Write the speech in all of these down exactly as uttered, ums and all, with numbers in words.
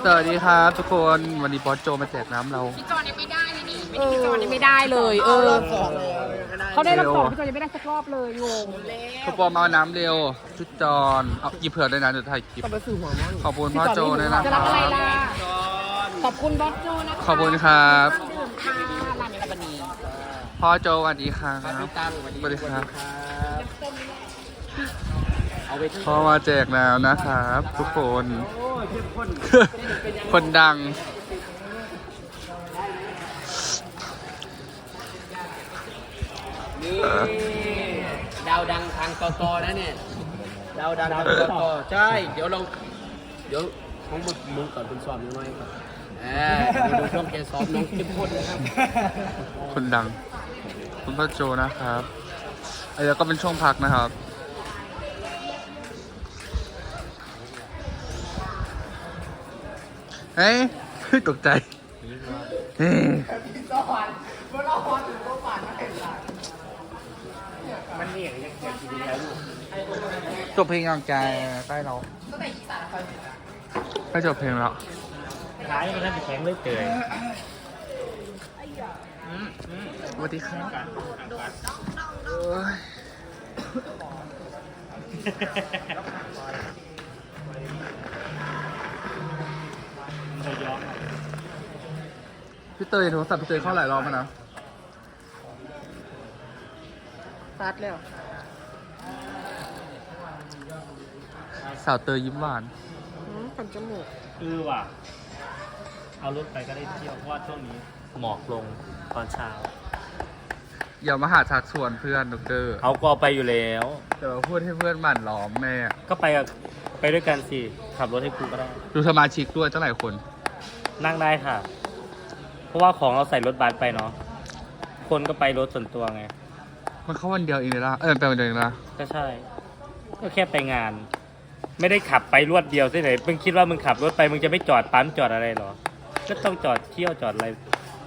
สวัสดีครับทุกคนวันนี้บอสโจมาแจกน้ำเราพี่จอนยังไม่ได้เลยนี่ไม่ได้พี่จอนยังไม่ได้เลยเออเขาได้รอบสองพี่จอนยังไม่ได้สักรอบเลยงงทุกคนมาเอาน้ำเร็วชุดจอนเอาหยิบเผื่อด้วยนะเดี๋ยวถ่ายคลิปขอบคุณพ่อโจด้วยนะจะครัรับบ อะไรล่ะขอบคุณบอสโจนะคะขอบคุณครับดื่มค่ะร้านนี้บันนี้พ่อโจสวัสดีครับสวัสดีครับพ่อมาแจกน้ำนะครับ ทุกคนคนดังนี่ดาวดังทางกกนะเนี่ยดาวดังทางกกใช่เดี๋ยวเราเดี๋ยวของมึงมึงก่อนคุณสอบน้อยครับเออดูช่วงแกซ้อมน้องเข้มข้นนะครับคนดังคุณพ่อโจนะครับไอ้แล้วก็เป็นช่วงพักนะครับเฮ้ยตกใจเฮ้ยจบเพลงยังใจใกล้เราใกล้จบเพลงแล้วขายมันแข็งเลยเกยสวัสดีครับพี่เตยโทรศัพท์พี่เตยเข้าหลายรอบแล้วนะตัดแล้วสาวเตยยิ้มหวานทำจมูกคือว่ะเอารถไปก็ได้เที่ยวเพราะว่าช่วงนี้หมอกลงตอนเช้าอย่ามาหาชักชวนเพื่อนดรเขาก็ไปอยู่แล้วแต่ว่าพูดให้เพื่อนหมั่นล้อมแม่ก็ไปกับไปด้วยกันสิขับรถให้ครูก็ได้ดูสมาชิกด้วยเท่าไหร่คนนั่งได้ค่ะเพราะว่าของเราใส่รถบัสไปเนาะคนก็ไปรถส่วนตัวไงมันเข้าวันเดียวเองเลยล่ะเออไปวันเดียวเองละก็ใช่ก็แค่ไปงานไม่ได้ขับไปรวดเดียวที่ไหนมึงคิดว่ามึงขับรถไปมึงจะไม่จอดปั๊มจอดอะไรหรอก็ต้องจอดเที่ยวจอดอะไร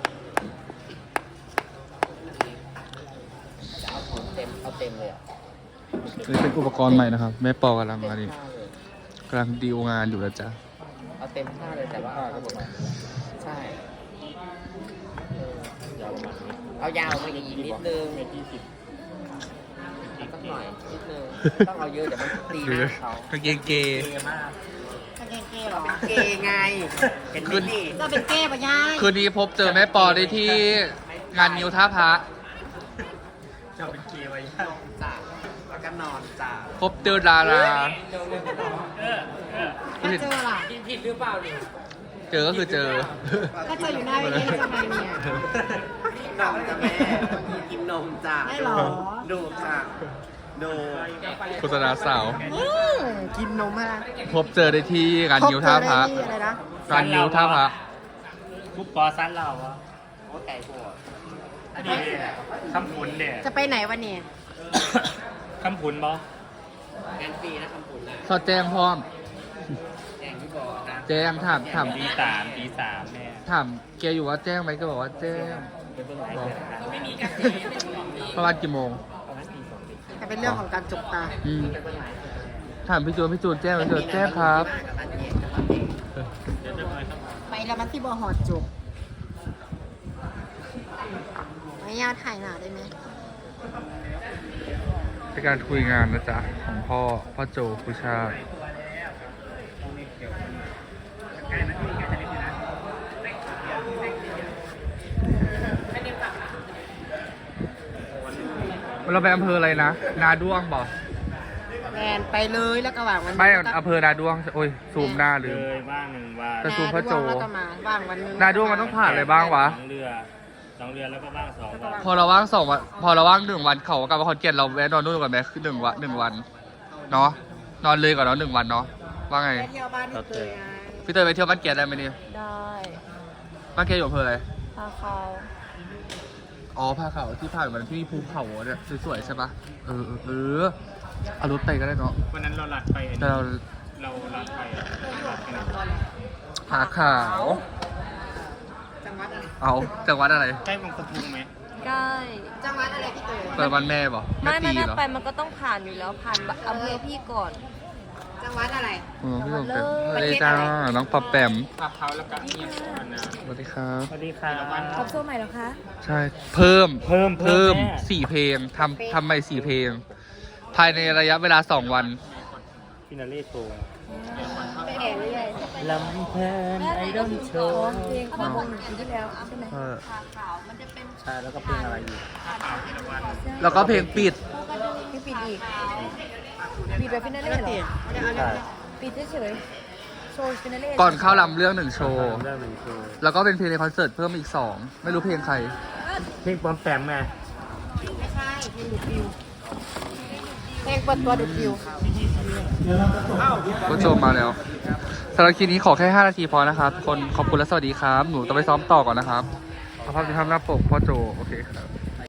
จะเอาของเต็มเอาเต็มเลยอ่ะนี่เป็นอุปกรณ์ใหม่นะครับแม่ปอกำลังอะไรกำลังดีลงานอยู่แล้วจ้ะเอาเต็มท่าเลยแต่ว่าใช่เอายาวมาอีกนิดนึงสักหน่อยนิดนึงต้องเอาเยอะเดี๋ยวมันตีหน้าเขากางเกงเกย์มากกางเกงเก้หรอเกย์ไงเห็นไหมนี่จะเป็นเก้ปะย่าคืนนี้พบเจอแม่ปอได้ที่งานนิวท่าพระจะเป็นเกย์ไว้จ้าแล้วก็นอนจ้าพบเจอดาราถ้าเจอล่ะกินผิดหรือเปล่านี่เจอก็คือเจอถ้าเจออยู่หน้าเวทีทำไมเนี่ยนมจ้ะแม่กินนมจ้าได้หรอดูค่ะดูโฆษณาสาวกินนมฮะพบเจอได้ที่งานนิวท่าพระงานนิวท่าพระคุปปอซันเราอ่ะโอ้ไก่พวกอันนี้คำพุนเนี่ยจะไปไหนวันนี้คำพุนบอแอนฟีนะคำพุนนะสอดแจ้งพร้อมแจ้งที่บอกนะแจ้งถามถามตีสามตีสามแม่ถามแกอยู่ว่าแจ้งไหมก็บอกว่าแจ้งไม่มีกันประมาณกี่โมงแต่เป็นเรื่องของการจบตาถามพี่จูนพี่จูนแจ้งไหมจูนแจ้งครับไปแล้วมันที่บอหอดจบไม่ยากถ่ายหนาได้ไหมเป็นการคุยงานนะจ๊ะของพ่อพ่อโจผู้ชาติเราไปอำเภออะไรนะนาด้วงบอกแมนไปเลยแล้วก็วางวันไม่อำเภอนาด้วงโอ้ยซูมหน้าลืมเลยว่างหนึ่งวันจะซูมพ่อโจแล้วก็มาว่างวันนึงนาด้วงมันต้องผ่านอะไรบ้างวะสองเรือสองเรือแล้วก็ว่างสองวันพอเราว่างสองวันพอเราว่างหนึ่งวันเขากับคอนเกียรเราแวะนอนนู่นก่อนไหมคือหนึ่งวันหนึ่งวันเนาะนอนเลยก่อนเนาะหนึ่งวันเนาะว่าไงเที่ยวบ้านพี่เตยพี่เตยไปเที่ยวบ้านเกียรได้ไหมนี่ได้บ้านเกียรอยู่อำเภออะไรพาเขาอ๋อพาเขาที่ผ่านมันที่ภูเขาเนี่ยสวยๆใช่ปะเออเออเอารถไปก็ได้เนาะวันนั้นเราหลัดไปแต่เราเราหลัดไปผาขาวจังหวัดอะไรเอาจังหวัดอะไรใกล้บางปะพุงไหมใกล้จังหวัดอะไรพี่เตยเปิดวันแม่ป่ะไม่ไม่ไม่ไปมันก็ต้องผ่านอยู่แล้วผ่านอำเภอพี่ก่อนจจังหวัดอะไรอ๋อพี่ผมเป็นสวัสดีจ้าน้องปอบแปมขับเขาแล้วก็เงียบก่อนนะสวัสดีครับสวัสดีค่ะครบโซ่ใหม่แล้วคะใช่ เพิ่มเพิ่มเพิ่มแน่สี่เพลงทำทำใหม่สี่เพลง ภายในระยะเวลาสองวันฟินาเล่โชว์ไปแอบเรื่อยลำเพลินไอดอลโชว์เพลงของปีที่แล้วใช่ไหมเออใช่แล้วก็เพลงอะไรอีกแล้วก็เพลงปิดพี่ปิดอีกปิดแบบฟินาเล่เหรอใช่ปิดเฉยๆโชว์ฟินาเล่ก่อนเข้าลำเรื่องหนึ่งโชว์เรื่องหนึ่งโชว์แล้วก็เป็นเพลงในคอนเสิร์ตเพิ่มอีกสอง ไม่รู้เพลงใครเพลงปลอมแปมไงไม่ใช่เพลงดูดฟิวเพลงเปิดตัวดูดฟิวผู้ชมมาแล้วสำหรับคลิปนี้ขอแค่ห้านาทีพอนะครับ คนขอบคุณและสวัสดีครับ หนูต้องไปซ้อมต่อก่อนนะครับสภาพที่ทำหน้าปกพ่อโจ โอเคครับ